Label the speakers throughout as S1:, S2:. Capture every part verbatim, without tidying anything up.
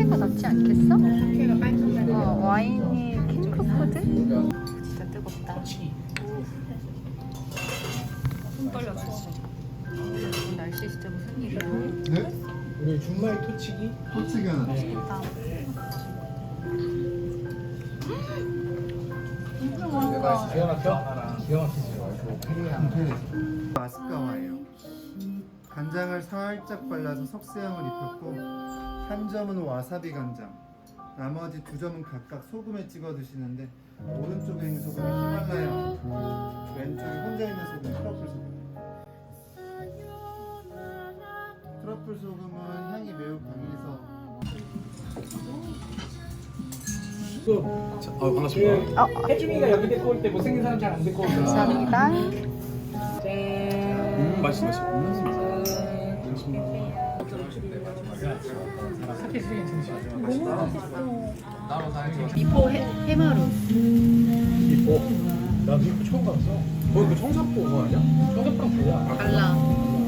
S1: 카페가 낫지 않겠어?
S2: 걔가 깔끔해.
S1: 어, 와인이 핑크푸드? 진짜 뜨겁다.
S2: 손 떨려 진짜.
S1: 오늘 날씨 진짜 무슨 일이야?
S3: 네?
S4: 우리 준마이 토치기.
S3: 토치기 하나
S4: 네.
S1: 나
S4: 기가 막혀? 기가 막히지.
S3: 마스카와예요. 간장을 살짝 발라서 석쇠향을 입혔고 한 점은 와사비 간장, 나머지 두 점은 각각 소금에 찍어 드시는데 오른쪽에 있는 소금은 히말라야, 왼쪽에 혼자 있는 소금은 트러플 소금. 트러플 소금은 향이 매우 강해서
S4: 아 반갑습니다.
S1: 어,
S4: 혜중이가 여기 데리고 올 때 못생긴 사람 잘 안 데리고 오잖아.
S1: 감사합니다.
S4: 짠.
S5: 음 맛있어 맛있어.
S4: 사케 쓰기 괜찮지?
S1: 미포 해, 해마루.
S4: 미포. 나 미포 처음 봤어. 거기 그 청사포 그거 아니야? 청사포랑 뭐야?
S1: 달라.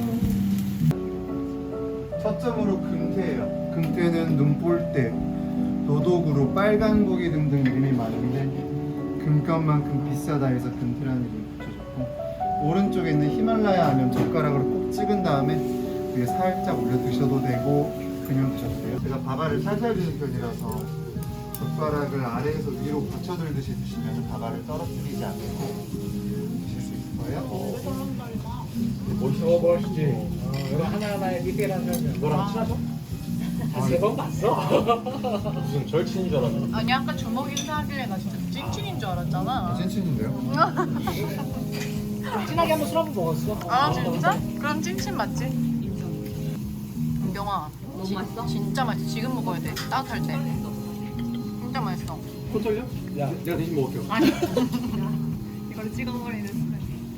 S3: 첫 점으로 금태예요. 금태는 눈볼대, 노독으로 빨간 고기 등등 이름이 많은데 금값만큼 비싸다 해서 금태라는 이름을 붙여줬고, 오른쪽에 있는 히말라야 하면 젓가락으로 꼭 찍은 다음에 위에 살짝 올려 드셔도 되고 그냥 드셔도 돼요. 제가 밥알을 살살 드는 편이라서 젓가락을 아래에서 위로 받쳐들듯이 드시면 밥알을 떨어뜨리지 않고 드실 수 있을 거예요.
S4: 멋있어 멋있지. 어, 이런 하나하나에 디테일한 설명. 너랑 친하죠? 한 세 번 봤어.
S5: 무슨 절친인 줄 알았네.
S2: 아니 아까 주먹 인사하길래 나 진짜 찐친인 줄 알았잖아.
S3: 찐친인데요?
S4: 친하게 한번 술 한번 먹었어.
S2: 아 진짜? 그럼 찐친 맞지? 은경아 너무 맛있어? 진짜 맛있어. 지금 먹어야 돼. 따뜻할 때. 진짜 맛있어.
S5: 코 떨려? 야 내가 대신 먹을게요.
S2: 아니 이걸 찍어버리는 순간.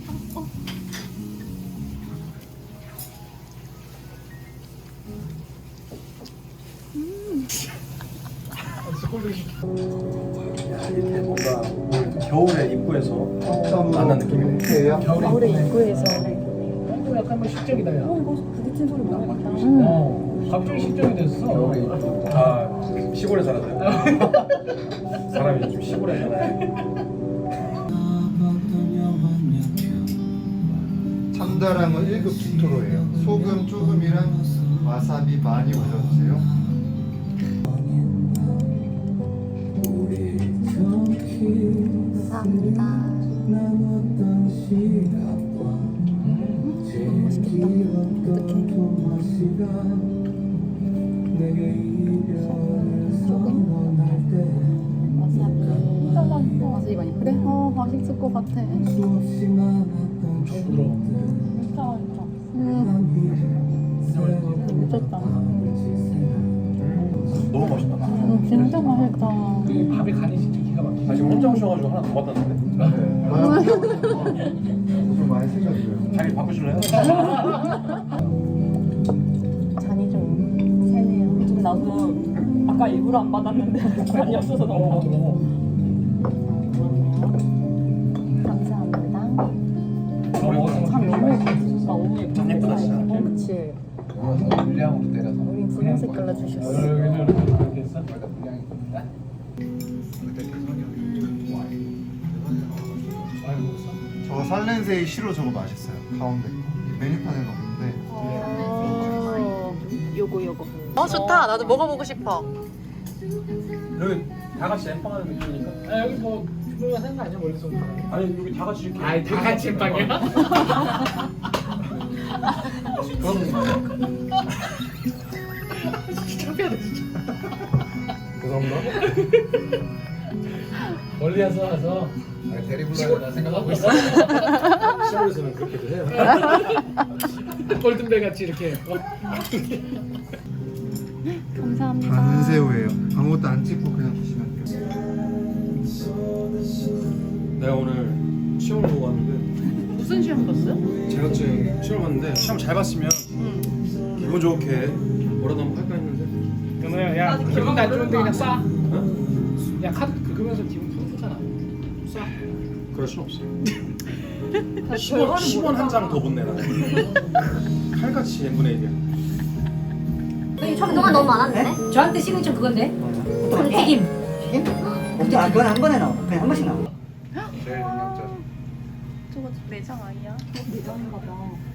S5: 뭔가 겨울에 입구에서 만난 느낌이네.
S3: 금태예요?
S1: 겨울에 입구에서.
S4: 어, 약간 뭐 시적이다 야.
S1: 부딪힌 소리 너무 많다.
S4: 어, 갑자기 시적이 됐어.
S5: 아 시골에 살았어요. 사람이 좀 시골에 살아요.
S3: 참다랑은 일 급 기토로예요. 소금 조금이랑 와사비 많이 올려주세요.
S1: 감사합니다. 너무 맛있겠다. 어떡해. 소금? 와사비 많이 그래? 어, 맛있을 것 같아.
S4: 부드러워.
S1: 음, 미쳤다.
S5: 너무 맛있다.
S1: 음, 진짜 맛있다.
S4: 그 밥의 간이 진짜 기가 막히지.
S5: 아 지금 혼자 오셔가지고 하나 더 받았는데.
S3: 좀 많이 생겼어요.
S5: 자리 바꾸실래요?
S1: 잔이 좀 세네요. 좀 나도 아까 일부러 안 받았는데 잔이 없어서 너무 감사합니다. 참 너무 예쁘다. 너무 예쁘다.
S5: 참 예쁘다, 진짜.
S1: 어, 그치.
S4: 물량으로 때려서.
S1: 우린 분홍 색깔로 주셨어.
S4: 이렇게 했어?
S3: 저 살렌세이 시로 저거 맛있어요. 가운데 거. 메뉴판에는 없는데
S1: 어, 요거 요거.
S2: 어 좋다. 나도 먹어보고 싶어.
S5: 여기 다 같이 엠빵하는 느낌이니까.
S4: 아 여기 뭐 주문가 생각 아니야 머릿속에.
S5: 아니 여기 다 같이 이렇게.
S4: 아이 다 같이 빵이야?
S5: 그럼
S4: 창피하다 진짜.
S5: 죄송합니다.
S4: 멀리 와서 와서
S3: 대리 불러야 생각하고 있어.
S5: 시골에서는 그렇게도 해요.
S4: 골든벨 같이 이렇게. 어?
S1: 감사합니다.
S3: 반새우예요. 아무것도 안 찍고 그냥 드시면 돼요.
S5: 내가 오늘 시험을 보고 왔는데
S2: 무슨 시험 봤어요?
S5: 자격증 시험 봤는데 시험 잘 봤으면
S2: 응.
S5: 기분 좋게 뭐라도 한번 할까 했는데.
S4: 그러면 야 기분 안 좋은데 그냥 싸. 야 카드 긁으면서 기분 푸르잖아. 싸.
S5: 그럴 순 없어. 십 원, 십 원 한 장 더 못 내나. 칼같이 n분의 일이야.
S6: 그동안 너무 많았는데?
S7: 저한테 시그니처 그건데.
S5: 맞아.
S7: 튀김.
S5: 튀김? 어, 아, 그건 한 번에 나와. 그냥 한 번씩 나와.
S3: 제일 능력자.
S2: 저거 내장 아니야?
S1: 내장인가 봐.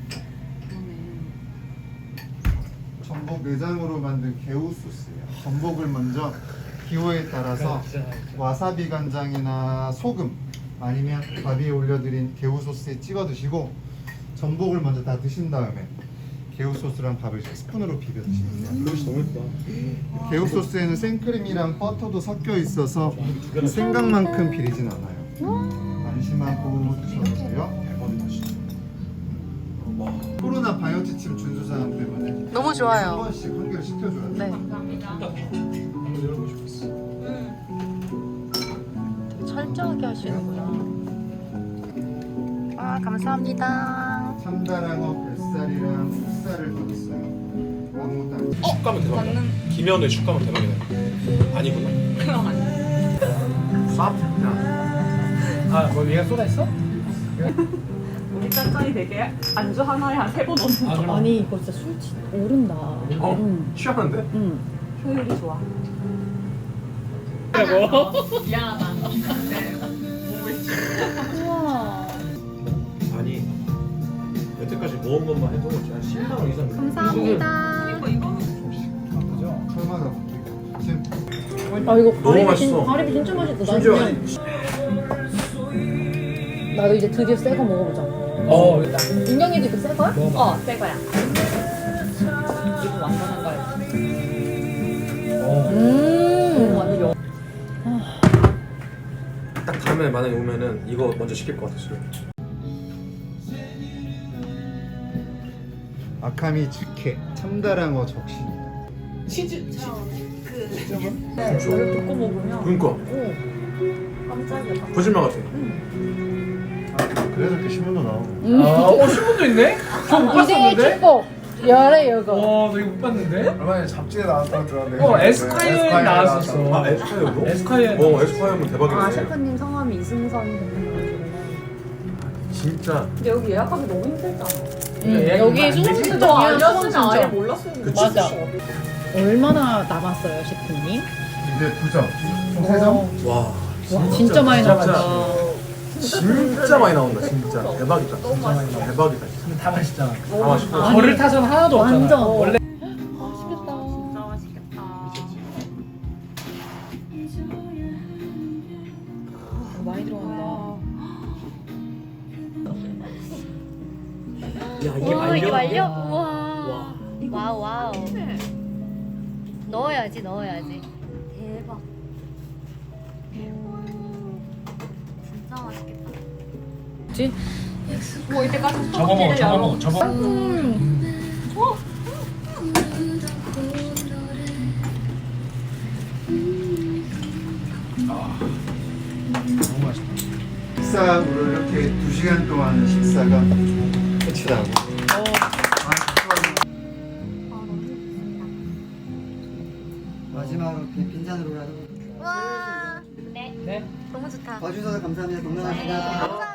S3: 전복 내장으로 만든 개우 소스예요. 전복을 먼저 기호에 따라서 와사비 간장이나 소금 아니면 밥 위에 올려드린 개우 소스에 찍어 드시고 전복을 먼저 다 드신 다음에 개우 소스랑 밥을 스푼으로 비벼 드시면 돼요.
S4: 그릇이 너무 예쁘다.
S3: 개우 소스에는 생크림이랑 버터도 섞여 있어서 생각만큼 비리진 않아요. 안심하고 드셔보세요. 코로나 방역지침 준수 사항 때문에
S2: 너무
S3: 한
S2: 좋아요.
S3: 번씩 한 개를 시켜줘야 돼요.
S2: 네.
S4: 한번 열어보고 싶었어.
S2: 되게 철저하게 하시는구나. 아 감사합니다.
S3: 참다랑어 뱃살이랑 흑살을 넣었어요. 아무것도 안 넣었어요.
S4: 축감은 대박이다. 김현우의 축감은 대박이다. 아니구나.
S3: 쌉.
S4: 아, 뭐 얘가 쏟아있어?
S1: 우리 짠짠이 되게 안주 하나에 한 세 번 넣는
S4: 아, 그럼.
S7: 아니 이거 진짜 술 치- 오른다.
S4: 어?
S7: 응.
S4: 취하는데?
S7: 응.
S1: 효율이 좋아. 미안하다.
S7: 우와.
S4: 아니, 여태까지 모은 것만 해도 한 십만 원 이상.
S2: 감사합니다.
S4: 그죠?
S3: 설마가 바뀌고 지금
S7: 아 이거
S4: 너무
S7: 가리비 진,
S4: 맛있어.
S7: 가리비 진짜 맛있다. 나
S4: 심지어
S7: 그냥 나도 이제 드디어 새 거 먹어보자.
S4: 어, 일단
S7: 인경이도 이거 새 거야?
S4: 먹어봐.
S1: 어, 새 거야. 이거 완전한 거야.
S4: 어.
S7: 음.
S1: 완전 영.
S4: 딱 다음에 만약에 오면은 이거 먼저 시킬 것 같았어요.
S3: 아카미 즉회 참다랑어 적십니다.
S1: 네, 이걸 듣고 먹으면
S4: 그러니까
S1: 깜짝이야.
S4: 거짓말 같아.
S3: 아, 그래서 이렇게 신문도 나오고.
S7: 음.
S4: 아, 어 신문도 있네? 저못
S7: 이제 축복 열애 이거.
S4: 와, 나 이거 못 봤는데?
S3: 얼마 전에 잡지에 나왔다고 들었는데.
S4: 어, 에스콰이어에 나왔었어. 아, 에스콰이어도? 에스콰이어. 어, 에스콰이어면 대박이네.
S1: 아, 셰프님 성함이 이승선 대표님이시구나.
S4: 진짜.
S1: 근데 여기 예약하기 너무 힘들잖아.
S7: 응.
S4: 얘가
S7: 여기
S4: 안
S7: 수능
S4: 되지?
S7: 신청이야. 수능
S1: 알렸으면 아예
S7: 신청.
S1: 몰랐을 텐데.
S4: 그치,
S7: 맞아. 얼마나 남았어요, 셰프님?
S3: 이제 두 점. 총 세 점?
S4: 와.
S7: 와 진짜 많이 남았다.
S4: 진짜 많이 나온다, 진짜. 대박이다. 진짜 많이 나온다. 대박이다. 진짜. 다 맛있잖아. 다 맛있고.
S7: 아니,
S4: 버릴 타선 하나도 없잖아.
S7: 완전.
S4: 원래.
S1: 맛있겠다. 진짜 맛있겠다.
S7: 많이 들어간다.
S4: 야, 이게
S6: 오, 이게 말려? 우와.
S4: 와.
S6: 와우, 와우. 넣어야지, 넣어야지. 대박. 진짜 맛있겠다.
S7: 그치?
S1: 뭐 이때까지
S4: 저거 먹어, 저거 먹어, 저거.
S7: 음.
S4: 너무 맛있다.
S3: 식사로 이렇게 두 시간 동안 식사가 끝이 나고.
S6: 아, 너무
S5: 마지막으로 그냥 빈잔으로라도.
S6: 와. 네.
S4: 네.
S6: 너무 좋다.
S5: 와주셔서 감사합니다. 건강합니다.
S6: 감사합니다.